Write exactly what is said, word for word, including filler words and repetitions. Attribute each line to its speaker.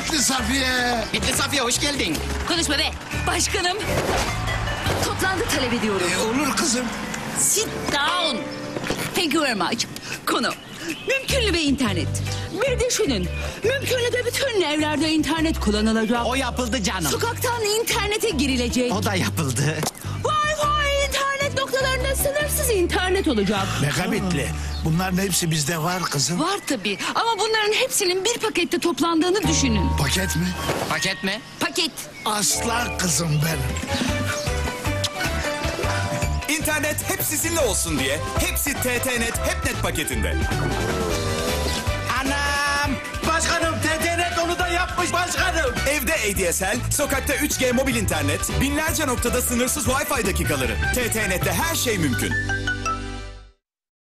Speaker 1: Bitli Safiye.
Speaker 2: Bitli Safiye hoş geldin.
Speaker 3: Konuşma be. Başkanım. Toplantı talep ediyorum.
Speaker 1: E, olur kızım.
Speaker 3: Sit down. Thank you very much. Konu. Mümkünlü bir internet. Bir düşünün. Mümkünlü de bütün evlerde internet kullanılacak.
Speaker 2: O yapıldı canım.
Speaker 3: Sokaktan internete girilecek.
Speaker 2: O da yapıldı.
Speaker 3: Wi-Fi internet noktalarında sınırsız internet olacak.
Speaker 1: Megabitli. Bunların hepsi bizde var kızım.
Speaker 3: Var tabii ama bunların hepsinin bir pakette toplandığını düşünün.
Speaker 1: Paket mi?
Speaker 2: Paket mi?
Speaker 3: Paket.
Speaker 1: Aslan kızım benim.
Speaker 4: İnternet hep sizinle olsun diye hepsi T T Net HepNet paketinde.
Speaker 2: Anam! Başkanım T T Net onu da yapmış başkanım.
Speaker 4: Evde A D S L, sokakta üç G mobil internet, binlerce noktada sınırsız Wi-Fi dakikaları. T T Net'te her şey mümkün.